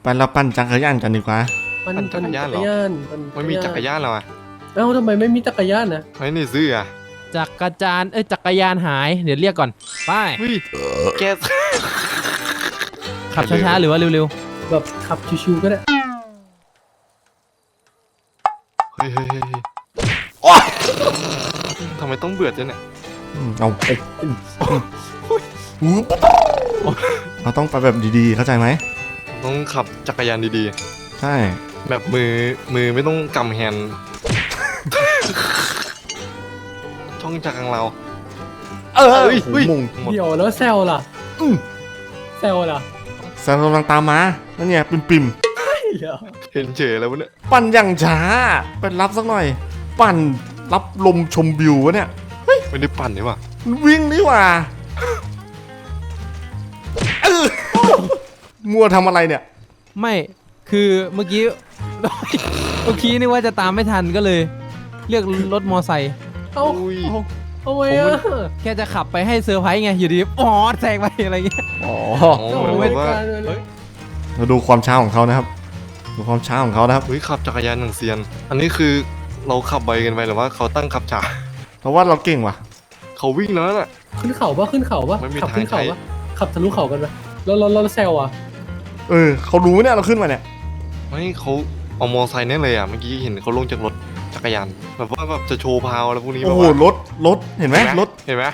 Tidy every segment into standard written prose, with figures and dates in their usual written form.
ไปเราปั่นจักรยานกันดีกว่าปั่นจักรยานเหรอไม่มีจักรยานเหรอเอ้าทำไมไม่มีจักรยานนะไม่ได้ซื้ออ่ะจักรยานจักรยานหายเดี๋ยวเรียกก่อนไปเฮ้ยแกขับช้าๆหรือว่าเร็วแบบขับชิวๆก็ได้เฮ้ยโอ๊ยทำไมต้องเบื่อจังเนี่ยเอาเราต้องไปแบบดีๆเข้าใจไหมต้องขับจักรยานดีใช่ๆแบบมือไม่ต้องกำแฮนด์ช่องจักรของเราเฮ้ยเฮ้ยมุงหมดเดี๋ยวแล้วแซวล่ะแซวล่ะแซมกำลังตามมานั่นเนี่ยปิ่มเดี๋ยวเห็นเฉยแล้ววะเนี่ยๆปั่นอย่างช้าไปรับสักหน่อย ปั่นรับลมชมวิววะเนี่ยไม่ได้ปั่นนี่หว่าวิ่งนี่หว่ามัวทำอะไรเนี่ยๆไม่คือเมื่อกี้ นี่ว่าจะตามไม่ทันก็เลย เรียกรถมอไซค์เอ้าอุ้ยทำไมอ่ะแค่จะขับไปให้เซอร์ไพรส์ไงอยู่ดีอ๋อแซงไปอะไรเงี้ยอ๋ออ๋อเหมือนแบบว่าเราดูความช้าของเขานะครับ ดูความช้าของเขานะครับเฮ้ยขับจักรยานอย่างเซียน อันนี้คือเราขับไวกันไปหรือว่าเขาตั้งขับช้าเพราะว่าเราเก่งว่ะเขาวิ่งแล้วน่ะขึ้นเขาปะขึ้นเขาปะไม่มีขัขึ้นเขาทางใช้ปะขับทะลุเขากันปะแล้วแซวอ่ะเขารู้เนี่ยเราขึ้นมาเนี่ยไม่เขาเอามอไซค์เนี่ยเลยอ่ะเมื่อกี้เห็นเขาลงจากรถจักรยานแบบว่าแบบจะโชว์พาวอะไรพวกนี้โอ้แบบโหว่ารถเห็นไหมรถเห็นไหม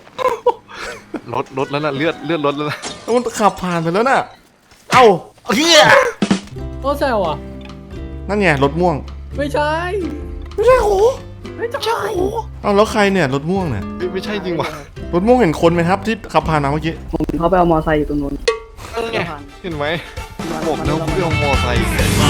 รถแล้วน่ะเลือดรถแล้วนะมันขับผ่านไปแล้วน่ะ เอ้าเฮียก็แซวอ่ะนั่นไงรถม่วงไม่ใช่ไม่ใช่โหไม่ใช่เอาแล้วใครเนี่ยรถม่วงเนี่ยเฮ้ยไม่ใช่จริงว่ะรถม่วงเห็นคนไหมครับที่ขับผ่านมาเมื่อกี้ผมเขาไปเอามอไซค์อยู่ตรงนู้นนั่นไงเห็นไหมบอกแล้วเรื่องมอไซค์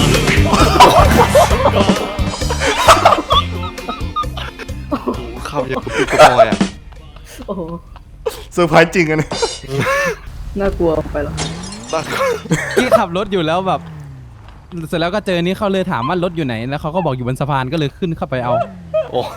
โอ้โหขับอย่างกับปีกระบอยอ่ะโอ้โหเซอร์ไพรส์จริงอันนี้น่ากลัวไปแล้วตั้งที่ขับรถอยู่แล้วแบบ เสร็จแล้วก็เจอนี้เขาเลยถามว่ารถอยู่ไหนแล้วเขาก็บอกอยู่บนสะพานก็เลยขึ้นเข้าไปเอาโอ้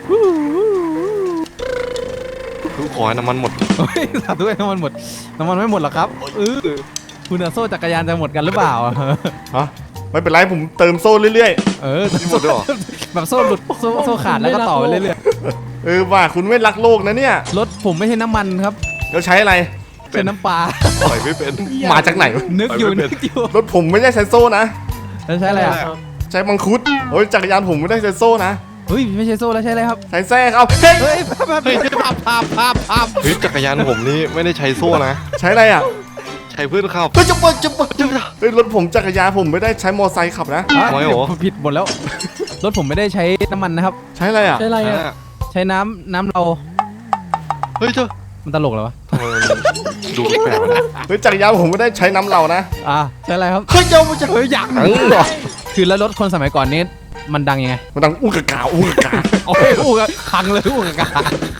ทุกขอให้น้ำมันหมดเฮ้ยสาธุให้น้ำมันหมดน้ำมันไม่หมดหรอกครับคุณโซ่จักรยานจะหมดกันหรือเปล่าฮะไม่เป็นไรผมเติมโซ่เรื่อยนี่หมดด้วยเหรอแบบโซ่หลุดโซ่ขาดแล้วก็ต่อไปเรื่อยๆว่าคุณไม่รักโลกนะเนี่ยๆรถผมไม่ใช่น้ำมันครับแล้วใช้อะไรเป็นน้ำปลาปล่อยไม่เป็นมาจากไหนนึกอยู่ไม่เป็นนึกอยู่รถผมไม่ได้ใช้โซ่นะแล้วใช้อะไรอ่ะใช้มังคุดโอ้ยจักรยานผมไม่ได้ใช้โซ่นะเฮ้ยไม่ใช่โซ่แล้วใช้อะไรครับใช้แส้ครับเฮ้ยเฮ้ยภาพเฮ้ยจักรยานผมนี่ไม่ได้ใช้โซ่นะใช้อะไรอ่ะใช้เพื่อนขับเฮ้ยจะเปิดเฮ้ยรถผมจักรยานผมไม่ได้ใช้มอไซค์ขับนะไม่เหรอผิดหมดแล้ว รถผมไม่ได้ใช้น้ำมันนะครับใช้อะไรอ่ะใช่อะไรอ่ะใช้น้ำเราเฮ้ยเจ้ามันตลกเหรอวะทำไมมันดูแปลกๆนะเฮ้ยจักรยานผมไม่ได้ใช้น้ำเรานะใช้อะไรครับเฮ้ยเจ้ามันจะเฮ้ยอยากคือแล้วรถคนสมัยก่อนนี้มันดังยังไงมันดังอู้กะกาอู้กะกาโอ้ยอู้กะพังเลยอู้กะกา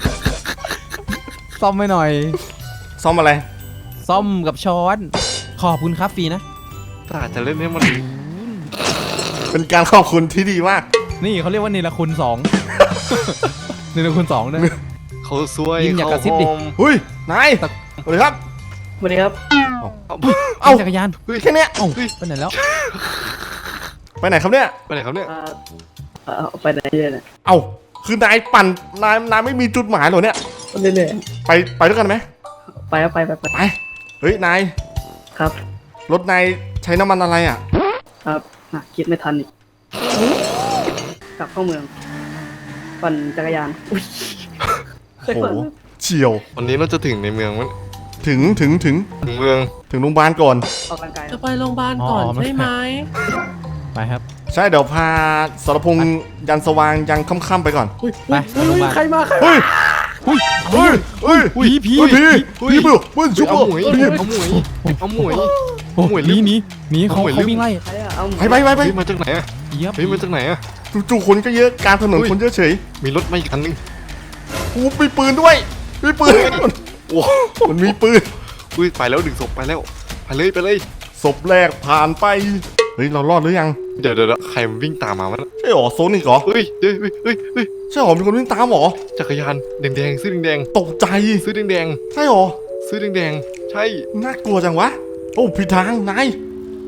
ซ่อมไม่หน่อยซ่อมอะไรซ่อมกับช้อนขอบคุณครับฟรีนะแต่จะเล่นให้มันเป็นการขอบคุณที่ดีมากนี่เขาเรียกว่าเนรคุณ2 เนรคุณ2ด้วยเขาซวยยิ้มอย่ากระซิบดิเขาโฮมเฮ้ยนายสวัสดีครับสวัสดีครับเอ้าจักรยานแค่เนี้ยเอ้าไปไหนแล้วไปไหนครับเนี่ยไปไหนครับเนี่ยเอาไปไหนเนี่ยเอ้าคือนายปั่นนายไม่มีจุดหมายเหรอเนี่ยเรื่อยไปด้วยกันไหมๆไปครับไปไปเฮ้ยนายครับรถนายใช้น้ำมันอะไรอ่ะครับคิดไม่ทันอีกกลับเข้าเมือง ปั่นจักรยานอุ้ยโอ้โหเฉียววันนี้เราจะถึงในเมืองมั้ยถึงถึงเมืองโรงพยาบาลก่อนออกกำลังกายจะไปโรงพยาบาลก่อนอ๋อไม่ใช่ไหมไปครับใช่เดี๋ยวพาสรพงษ์ยันสว่างยังค่ำๆไปก่อนอุ้ยไปโรงพยาบาลใครมาเฮ้ยเฮ้ยเฮ้ยผีพี่เบิ้ลชุบเอาหมวยพี่เอาหมวยเอาหมวยโอ้หมวยหนีเขาหมวยเขาวิ่งไล่ใครอะเอาไปเฮ้ยมาจากไหนอะเยียบเฮ้ยมาจากไหนอะจู่ๆคนก็เยอะกลารถนนคนเยอะเฉยมีรถมาอีกคันนึงกูมีปืนด้วยมีปืนโอ้มันมีปืนอุ้ยไปแล้วดึงศพไปแล้วไปเลยศพแรกผ่านไปเฮ้ยเรารอดหรือยังเดี๋ยวใครมันวิ่งตามมาวะใช่หรอโซนิกเหรอเฮ้ยเฮ้ยใช่หรอมีคนวิ่งตามหรอจักรยานแดงๆซื้อแดงตกใจๆซื้อแดงใช่หรอๆซื้อแดงๆใช่น่ากลัวจังวะโอ้ผิดทางนาย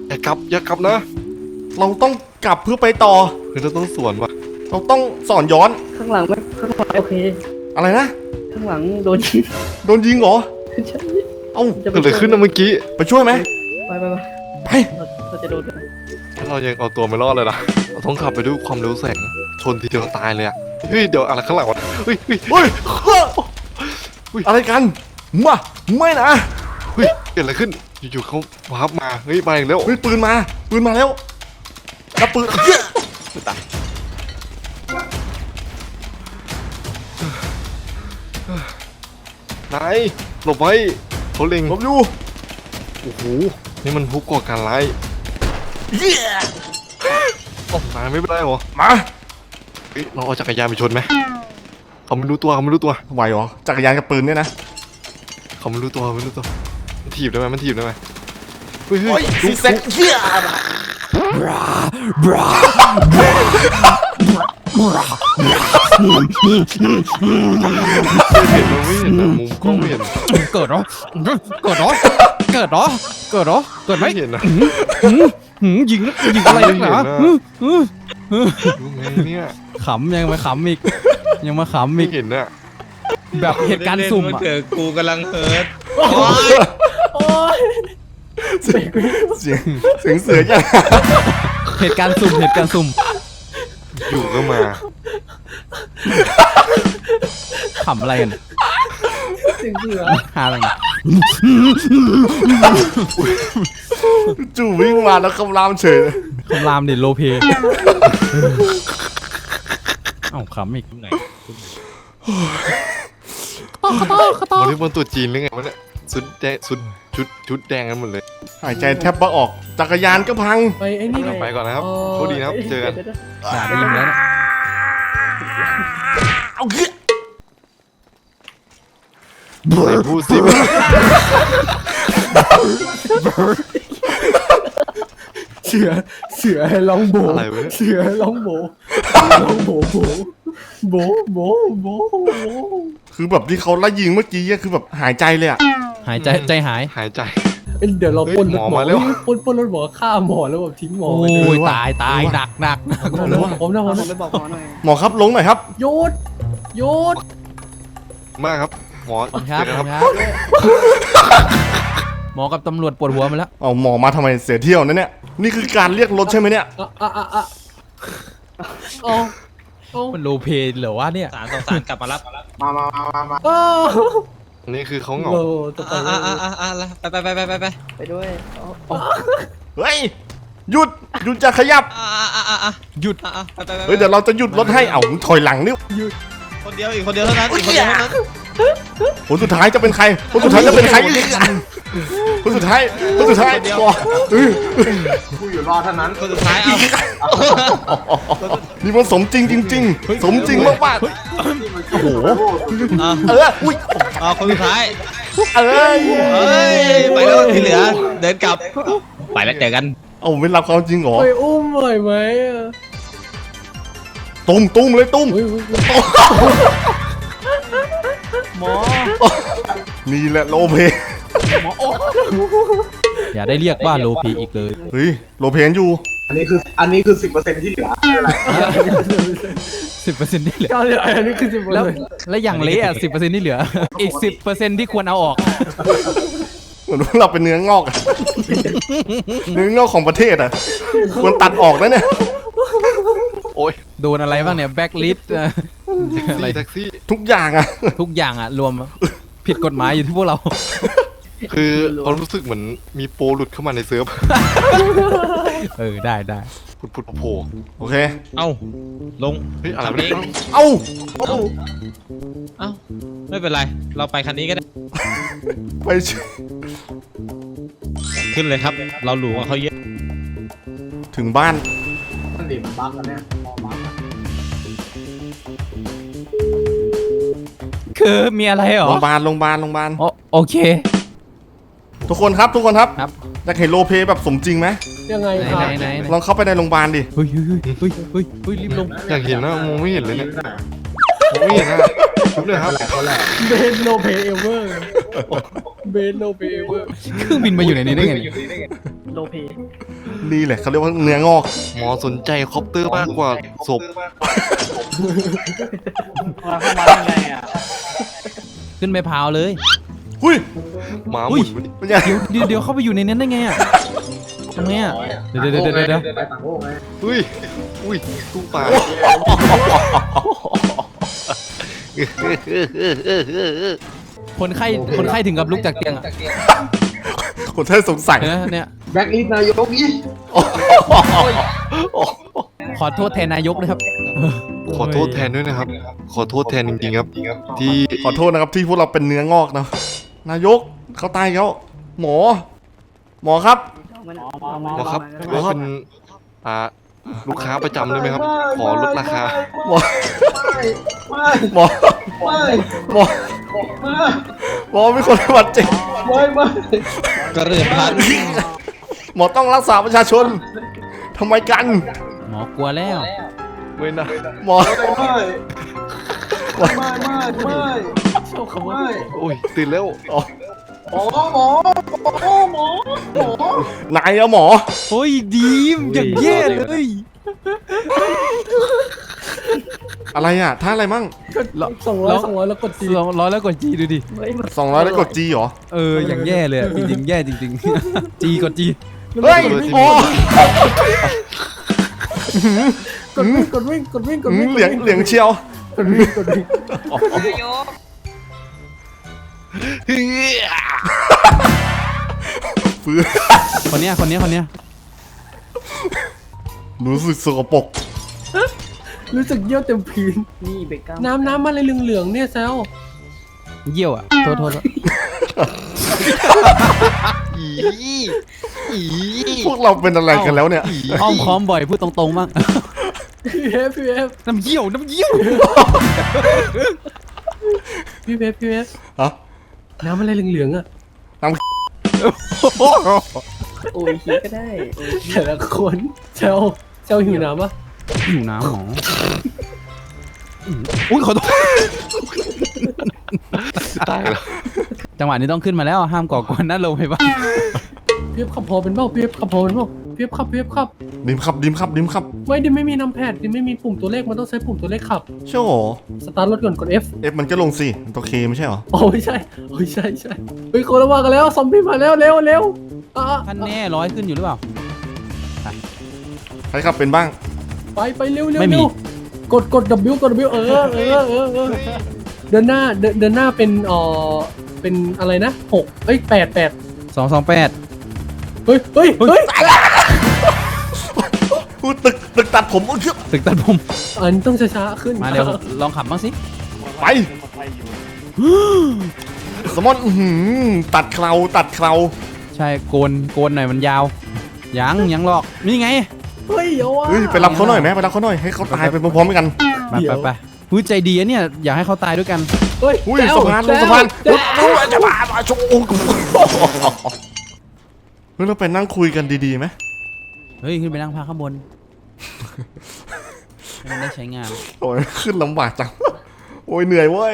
อย่ากลับนะเราต้องกลับเพื่อไปต่อคือเราต้องสวนว่ะเราต้องสอนย้อนข้างหลังไม่ข้างหลังโอเคอะไรนะข้างหลังโดนยิงโดนยิงเหรอใช่เอ้าจะเกิดอะไรขึ้นนะเมื่อกี้ไปช่วยไหมไปไปเราจะโดนเรายังเอาตัวไม่รอดเลยนะเราต้องขับไปด้วยความเร็วแสงชนทีเดียวตายเลยอะเฮ้ยเดี๋ยวอะไรข้างหลังวะเฮ้ยเฮ้ยอะไรกันมาไม่นะเฮ้ยเกิดอะไรขึ้นอยู่ๆเขาวาร์ปมาเฮ้ยมาอีกแล้วเฮ้ยปืนมาแล้วแล้วปืนเหี้ยนายหลบไว้เขาเล็งหลบอยู่โอ้โหนี่มันผู้ก่อการร้ายเหี้ยโอ้นายไม่เป็นไรเหรอมาเฮ้ยเราเอาจักรยานไปชนไหมเขาไม่รู้ตัวไหวเหรอจักรยานกับปืนเนี่ยนะเขาไม่รู้ตัวมันถีบได้ไหมเฮ้ยโอ้ยซีแซกเหี้ยเห็นมันไม่เห็นนะมุมกล้องไม่เห็นเกิดเหรอไหมไม่เห็นนะยิงอะไรนักหนารู้ไงเนี่ยขำยังมาขำอีกไม่เห็นน่ะแบบเหตุการณ์สุ่มอะเถอะกูกำลังเฮิร์ตโอ้ยเสียงเสือยังเหตุการณ์สุ่มอยู่ก็มาขำอะไรกันเสียงเสือหาอะไรกันจู่วิ่งมาแล้วคำรามเฉยคำรามเด็ดโลเพเอ้าขำอีกไหนวันนี้บนตัวจีนหรือไงวะเนี่ยชุดแดงชุดแดงกันหมดเลยหายใจแทบไม่ออกจักรยานก็พังไปไอ้นี่ไปก่อนนะครับโชคดีนะครับเจอกันด่าได้ยินแล้วเนี่ยเอาเหี้ยไหนพูดสิเสือร้องโบอะไรวะเนี่ยเสือร้องโบโบคือแบบที่เขาไล่ยิงเมื่อกี้อะคือแบบหายใจเลยอะหายใจใจหายหายใจเดี๋ยวเราปล้นรถเฮ้ยหมอหมอมาแล้วปล้นรถหมอฆ่าหมอแล้วแบบทิ้งหมอโอ้ไว้เลยยตายหนักผมนะไปบอกหมอหน่อยหมอครับลงหน่อยครับโยดมากครับหมอครับเจอกันครับหมอกับตำรวจปวดหัวมาแล้วเอาหมอมาทำไมเสียเที่ยวนะเนี่ยนี่คือการเรียกรถใช่ไหมเนี่ยอ๋อมันโลเพเหรอวะเนี่ยสารกลับมารับอ๋ออันนี้คือเขาเหงาโอ้ตกใจไปไปด้วยเฮ้ยหยุดจะขยับหยุดไปเฮ้ยเดี๋ยวเราจะหยุดรถให้เอาถอยหลังนี่คนเดียวอีกคนเดียวเท่านั้นอีกคนเดียวเท่านั้นคนสุดท้ายจะเป็นใครคนสุดท้ายจะเป็นใครคนสุดท้ายก่อนคนสุดท้ายเอานี่มันสมจริงจริงๆสมจริงมากๆโอ้โหอุ้ยเอาคนสุดท้ายเอ้ยเฮ้ยไปแล้วที่เหลือเดินกลับไปแล้วเจอกันเอาไม่รับความจริงเหรอไปอุ้มหน่อยไหมตุ้มเลยตุ้มหมอนี่แหละโลเพอย่าได้เรียกว่าโลเพอีกเลยเฮ้ยโลเพนอยู่อันนี้คือ 10%ที่เหลือ 10%ที่เหลือก็เลยอันนี้คือ10% แล้วอย่างเละอ่ะ10%ที่เหลือ อีก 10%ที่ควรเอาออกเหมือนว่าเราเป็นเนื้องอกอะเนื้องอกของประเทศอ่ะควรตัดออกนะเนี่ยโอ้ยโดนอะไรบ้างเนี่ยแบ็กลิสต์อะไรแท็กซี่ทุกอย่างอ่ะทุกอย่างอ่ะ รวมผิดกฎหมายอยู่ที่พวกเราคือเขารู้สึกเหมือนมีโปรหลุดเข้ามาในเซิร์ฟได้พุดโผล่โอเคเอ้าลงเฮ้ยอะไรขับวะเอเนี่ยงเอ้าเอ้าไม่เป็นไรเราไปคันนี้ก็ได้ไปเฉยขึ้นเลยครับ เราหรูกว่าเขาเยอะถึงบ้านมันดิมันบั๊กแล้วเนี่ยมองบั๊กอะคือมีอะไรเหรอโรงพยาบาลโอเคทุกคนครับครับอยากเห็นโลเพแบบสมจริงไหมยังไงครับไหนลองเข้าไปในโรงพยาบาลดิเฮ้ยรีบลงอยากเห็นนะมองไม่เห็นเลยเนี่ยมองไม่เห็นนะชุบเลยครับเบนโนเพเอเวอร์เบนโนเพเอเวอร์เครื่องบินมาอยู่ในนี้ได้ไงเนี่ยโลเพนี่แหละเขาเรียกว่าเนื้องอกหมอสนใจคอปเตอร์มากกว่าศพมาเข้ามาได้ไงอ่ะขึ้นไปพาวเลยหุ้ยหมาหมุนมาดิเป็นไงเดี๋ยวเข้าไปอยู่ในนั้นได้ไงอ่ะทำไงอ่ะเดี๋ยวไปต่างโลกไงอุ้ยอุ้ยตู้ปลาคนไข้ถึงกับลุกจากเตียงอ่ะคนไทยสงสัยเนี่ยแบ็คลิสต์นายกอีกขอโทษแทนนายกนะครับขอโทษแทนด้วยนะครับ ขอโทษแทนจริงๆครับ ที่ขอโทษนะครับที่พวกเราเป็นเนื้องอกเนาะนายกเขาตายแล้วหมอครับหมอครับว่าเป็นลูกค้าประจำได้ไหมครับ ขอลดราคาหมอไม่หมอไม่หมอไม่หมอไม่คนบาดเจ็บไม่กระเรือนพันหมอต้องรักษาประชาชนทำไมกันหมอกลัวแล้วไม่นะหมอไม่โอ้ยตื่นแล้วอ๋อหมอนายอะหมอโอ้ยดีมอย่างแย่เลยอะไรอะท่าอะไรมั่ง 200แล้วกดจีร้อยแล้วกดจีดูดิ 200แล้วกด G เหรออย่างแย่เลยอะจริงๆแย่จริงๆ จีกดจีเฮ้ยโอ้กดวิ่งเหลียงเชียว ฟื้นคนเนี้ยรู้สึกสกปรกรู้สึกเยี่ยวเต็มพื้นนี่เบรกกล้ามน้ำอะไรเหลืองๆเนี่ยแซวเยี่ยวอ่ะโทษพวกเราเป็นอะไรกันแล้วเนี่ยอ้อมค้อมบ่อยพูดตรงๆมากพี่เวฟน้ำเยี่ยวพี่เวฟฮะน้ำอะไรเหลืองๆอ่ะโอ้ยฮีก็ได้โอ้ยแต่ละคนแซวหิวน้ำปะหิวน้ำหมออุ้ยขอโทษตายแล้วจังหวะนี้ต้องขึ้นมาแล้วห้ามก่อกวนนะลงไปบ้างพี่ขับพอเป็นเปล่าพี่ขับพอเป็นเปล่าพี่ขับดิมครับไม่ดิไม่มีน้ำแพดดิไม่มีปุ่มตัวเลขมันต้องใช้ปุ่มตัวเลขขับโช่โหสตาร์ทรถก่อนกด F F มันก็ลงสิมันตัว K ไม่ใช่เหรอโอ้ไม่ใช่เฮ้ยคนละว่ากันแล้วซอมบี้มาแล้วเร็วอ่ะท่านแน่ร้อยขึ้นอยู่หรือเปล่าใครขับเป็นบ้างไปเร็วไม่มีกด W กด W เดินหน้าเป็นเป็นอะไรนะ6เอ้ย8 228 เฮ้ยพูดตึกตัดผมเชื่อตึกตัดผมอันนี้ต้องช้าๆขึ้นมาเร็วลองขับบ้างสิไปสมอนตัดเคราใช่โกนหน่อยมันยาวยังหรอกนี่ไงเฮ้ยเอาว่ะเฮ้ยไปรับเขาหน่อยไหมไปรับเขาหน่อยให้เขาตายไปพร้อมๆกันไปพูดใจดีอะเนี่ยอยากให้เขาตายด้วยกันเฮ้ยอุ้ยสะพานลงสะพานจะมาโชว์เฮ้ยเราไปนั่งคุยกันดีๆไหมเฮ้ยขึ้นไปนั่งพักข้างบนให้มันได้ใช้งานโอ้ยขึ้นลำบากจังโอ้ยเหนื่อยเว้ย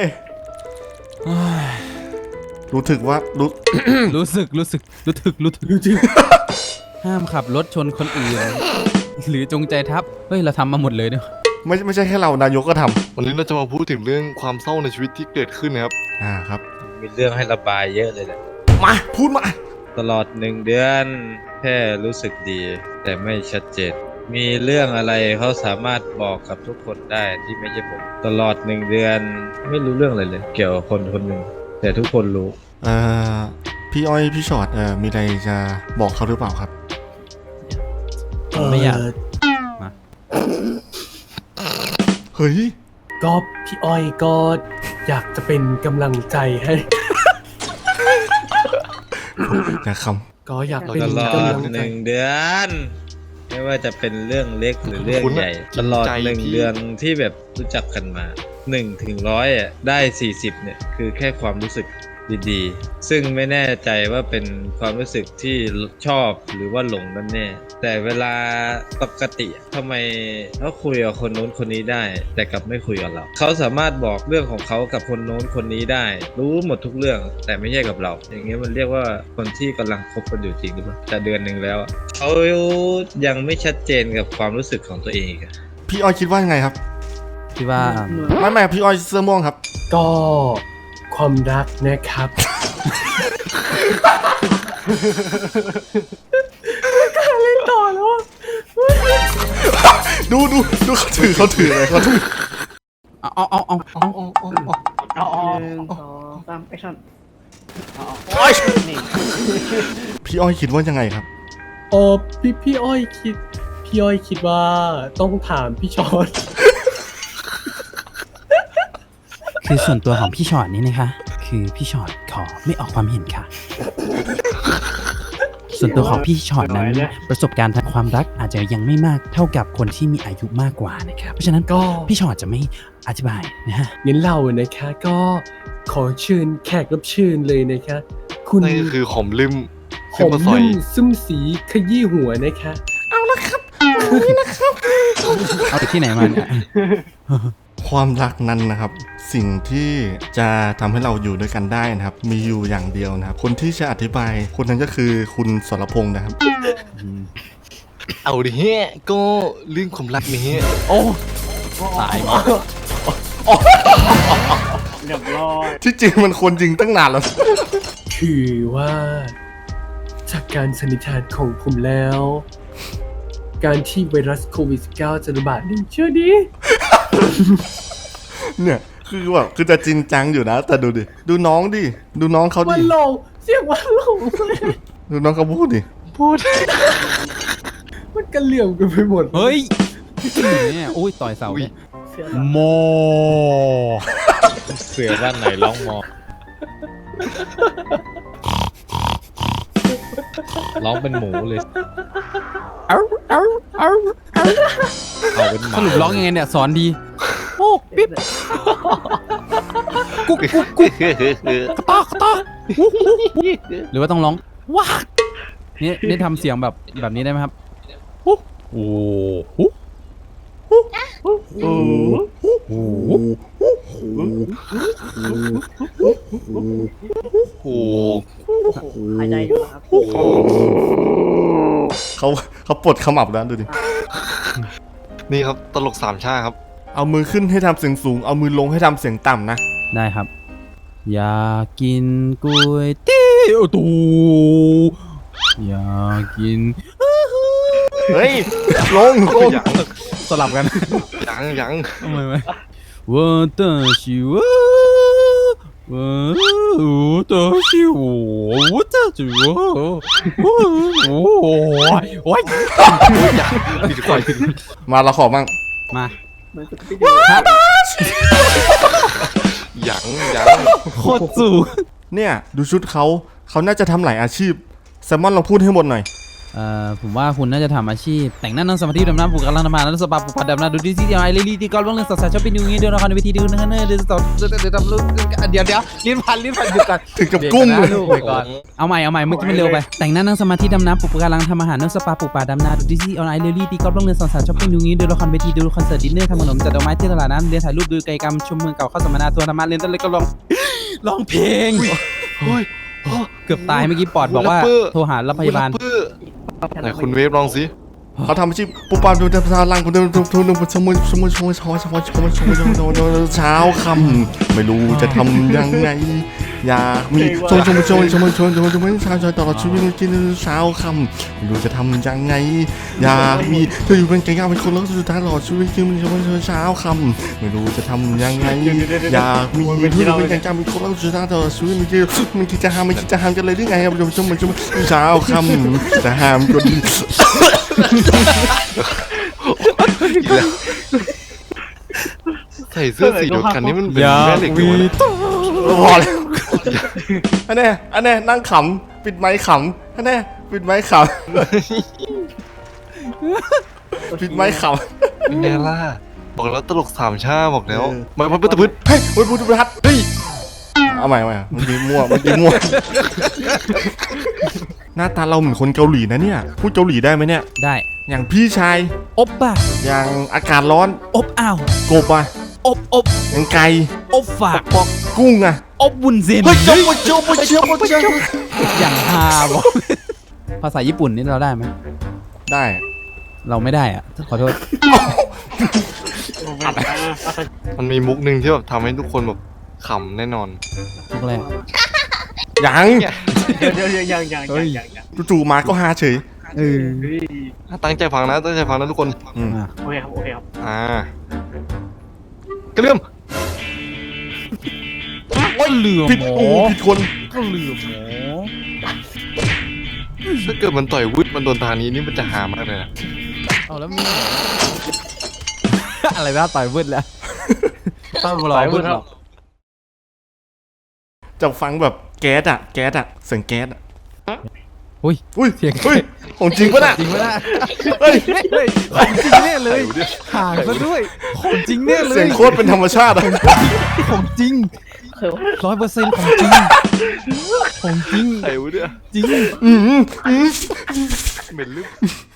รู้ถึกว่ารู้สึกห้ามขับรถชนคนอื่นหรือจงใจทับเฮ้ยเราทำมาหมดเลยเนี่ยไม่ใช่แค่เรานายกก็ทวันนี้เราจะมาพูดถึงเรื่องความเศร้าในชีวิตที่เกิดขึ้นนะครับำครับมีเรื่องให้ระบายเยอะเลยแหละมาพูดมาตลอด1 เดือนแค่รู้สึกดี แต่ไม่ชัดเจนมีเรื่องอะไรเขาสามารถบอกกับทุกคนได้ที่ไม่ใช่ผม ตลอด1 เดือนไม่รู้เรื่องอะไรเลย เกี่ยวกับคนคนหนึ่งแต่ทุกคนรู้พี่อ้อยพี่ชอตมีอะไรจะบอกเขาหรือเปล่าครับไม่อยากเฮ้ยก็พี่อ้อยก็อยากจะเป็นกำลังใจให้อย่าคก็อยากเป็นตลอดกำลังใจ 1 เดือน ไม่ว่าจะเป็นเรื่องเล็กหรือเรื่องคุณใหญ่จริงตลอดใจพี่ 1 เดือนที่แบบรู้จักกันมา1 ถึง 100ได้40เนี่ยคือแค่ความรู้สึกดีๆ ซึ่งไม่แน่ใจว่าเป็นความรู้สึกที่ชอบหรือว่าหลงนั่นแน่ แต่เวลาปกติทำไมเขาคุยกับคนโน้นคนนี้ได้ แต่กลับไม่คุยกับเรา เขาสามารถบอกเรื่องของเขากับคนโน้นคนนี้ได้ รู้หมดทุกเรื่อง แต่ไม่ใช่กับเรา อย่างเงี้ยมันเรียกว่าคนที่กำลังคบกันอยู่จริงหรือเปล่าจะเดือนหนึ่งแล้วอะเขายังไม่ชัดเจนกับความรู้สึกของตัวเองอีกอะพี่อ้อยคิดว่ายังไงครับที่ว่าไม่พี่อ้อยเสื้อม่วงครับก็ความรักนะครับ เล่นต่อแล้วอะดูเขาถืออะไรเขาถือเอา 1 2 3 แอคชั่นพี่อ้อยคิดว่ายังไงครับโอ้พี่อ้อยคิดว่าต้องถามพี่ชอนคือส่วนตัวของพี่ชอตนี่นะคะ คือพี่ชอตขอไม่ออกความเห็นค่ะ ส่วนตัวของพี่ชอตนั้นประสบการณ์ทางความรักอาจจะยังไม่มากเท่ากับคนที่มีอายุมากกว่านะครับเพราะฉะนั้นก็พี่ชอตจะไม่อธิบายนะฮะงั้นเรานะคะก็ขอเชิญแขกรับเชิญเลยนะคะ คุณนั่นก็คือขมลืมหขึ้นอมมาสอยนุ่มซึมสีขยี้หัวนะคะเอาจากที่ไหนมาเนี่ยความรักนั้นนะครับ สิ่งที่จะทำให้เราอยู่ด้วยกันได้นะครับ มีอยู่อย่างเดียวนะครับ คนที่จะอธิบายคนนั้นก็คือคุณสรพงษ์นะครับเอาดิเฮ้ก็เรื่องความรักนี่เฮ้โอ้ตายหมดที่จริงมันคนจริงตั้งนานแล้วคือว่าจากการสันนิษฐานของผมแล้ว การที่ไวรัสโควิด -19 จะระบาดนี่เชื่อดีเนี่ยคือแบบคือจะจริงจังอยู่นะ แต่ดูดิดูน้องดิดูน้องเขาวัดินหลงเสียงวันหลงดูน้องเขาพูดดิมันกระเหลี่ยมกันไปหมดเฮ้ยเนี่ยโอ้ยต่อยเสาเนี่ยเสือโมเสือบ้านไหนร้องมอร้องเป็นหมูเลยเอาเอาเป็นหสมารุปร้องยังไงเนี่ยสอนดีโอ้ปิ๊บกุ๊กหรือว่าต้องร้องว้านี่ทำเสียงแบบนี้ได้ไหมครับโอ้โหโอ้หายใจอยู่ครับเขาปลดขมับแล้วดูดินี่ครับตลกสามชาครับเอามือขึ้นให้ทำเสียงสูงเอามือลงให้ทำเสียงต่ำนะได้ครับ อยากกินก๋วยเตี๋ยวตูอยากกินเฮ้ยลงสลับกันยังทำไมวะ我的是我我的是我的是我โอ้ยผิดก่อนมาเราขอบ้างมาเหมือนสกูปปี้ดูยังโคตรสูงเนี่ยดูชุดเขาน่าจะทำหลายอาชีพแซมมอนเราพูดให้หมดหน่อยผมว่าคุณน่าจะทำอาชีพแต่งหน้านั่งสมาธิดำน้ำปลูกกำลังทำงานแล้วสปาปลูกผัดดำน้ำดูดีที่ไอเลลี่ที่กอล์ฟเรื่องสาวๆชอบไปดูงี้เดี๋ยวเราคอนเวทีดูนะเดี๋ยวต่อเดี๋ยวทำรูปเดี๋ยวลิ้นพันหยุดก่อนถึงกับกุ้งเดี๋ยวนะลูกไปก่อนเอาใหม่เมื่อกี้มันเร็วไปแต่งหน้านั่งสมาธิดำน้ำปลูกกำลังทำอาหารนั่งสปาปลูกป่าดำน้ำดูดีที่ไอเลลี่ที่กอล์ฟเรื่องสาวๆชอบไปดูงี้เดี๋ยวเราคอนเวทีดูคอนเสิร์ตดินเนอร์ทำขนมจัดดอกไม้ที่ตลาดน้ำเรียนถ่ายรูปดูกิจกรรมชมเมืองเก่าเข้าสัมมนาทัวร์ธรรมะเรียนต้นเล็กก็ร้องเพลงเกือบตายเมื่อกี้ปอดบอกว่าโทรหารถพยาบาลไหนคุณเวฟลองสิเขาทำอาชีพปุ๊บปั๊บดูทางล่างคนเดินทุนชมเช้าคำไม่รู้จะทำยังไงอยากมีชมเช้าตลอดชีวิตกินเช้าคำไม่รู้จะทำยังไงอยากมีเธออยู่เป็นแก่งเป็นคนรักสุดท้ายตลอดชีวิตกินเช้าคำไม่รู้จะทำยังไงอยากมีเธออยู่เป็นแก่งเป็นคนรักสุดท้ายตลอดชีวิตมันคิดจะห้ามกันเลยได้ไงครับชมเช้าคำจะห้ามก็ดีใส่เสื้อสีเดียวกันนี่มันเป็นแม่เหล็กอยู่นะพอแล้วอันนี้นั่งขำปิดไม้ขำอันนี้ปิดไม้ขำปิดไม้ขำเป็นไงล่ะบอกแล้วตลกสามชาบอกแล้วมาตะพึดเฮ้ยพุทธพัฒน์เฮ้ยเอาใหม่เมื่อกี้มั่วหน้าตาเราเหมือนคนเกาหลีนะเนี่ยพูดเกาหลีได้ไหมเนี่ยได้อย่างพี่ชายอบป่ะอย่างอากาศร้อนอบอ้าวกบอ่ะอบอย่างไก่อบฝากกุ้งอ่ะอบบุญเซนเฮ้ยเจ้าเจ้าอย่างฮาบอกภาษาญี่ปุ่นนี่เราได้ไหมได้เราไม่ได้อะขอโทษมันมีมุกหนึ่งที่แบบทำให้ทุกคนแบบขำแน่นอนทุกแรกยังเดี๋ยวยังจู่ๆมาก็ฮาเฉยตั้งใจฟังนะทุกคนอืมอ่ะโอเคครับกระเลื่อมโอ้ยเหลือผิดหมอโอ้ผิดคนก็เหลือหมอถ้าเกิดมันต่อยวึดมันโดนทางนี้นี่มันจะหามากเลยนะเอาแล้วมี อะไรนะต่อยวืดแล้วต้องรอวืดหรอจะฟังแบบแก๊สอ่ะเสียงแก๊สอ่ะอุ้ยอุ้ยเสียงเฮ้ยของจริงปะน่ะจริงปะน่ะเฮ้ยของจริงแน่เลยห่างซะด้วยของจริงแน่เลยเสียงโคตรเป็นธรรมชาติอ่ะของจริงคือว่า 100%ของจริงของจริงไอ้วะเนี่ยจริงอืมเหม็นลึก